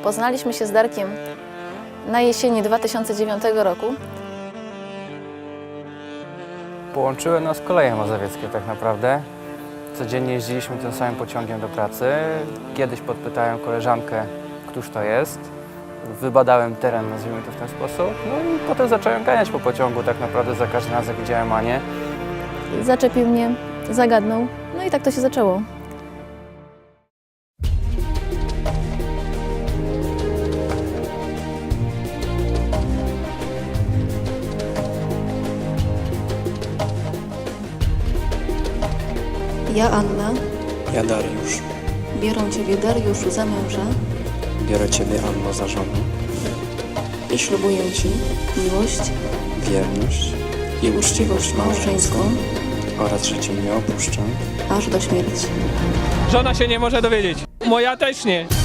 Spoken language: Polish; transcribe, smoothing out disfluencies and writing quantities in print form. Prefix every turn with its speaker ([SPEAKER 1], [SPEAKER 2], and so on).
[SPEAKER 1] Poznaliśmy się z Darkiem na jesieni 2009 roku.
[SPEAKER 2] Połączyły nas koleje mazowieckie tak naprawdę. Codziennie jeździliśmy tym samym pociągiem do pracy. Kiedyś podpytałem koleżankę, któż to jest. Wybadałem teren, nazwijmy to w ten sposób. No i potem zacząłem ganiać po pociągu tak naprawdę za każdym razem, jak widziałem Anię.
[SPEAKER 1] Zaczepił mnie, zagadnął, no i tak to się zaczęło. Ja, Anna,
[SPEAKER 3] Ja, Dariusz,
[SPEAKER 1] biorę Ciebie, Dariuszu, za męża
[SPEAKER 3] biorę Ciebie, Anno, za żonę,
[SPEAKER 1] i ślubuję Ci miłość
[SPEAKER 3] wierność
[SPEAKER 1] i uczciwość małżeńską
[SPEAKER 3] oraz, że Cię nie opuszczę
[SPEAKER 1] aż do śmierci.
[SPEAKER 4] Żona się nie może dowiedzieć. Moja też nie.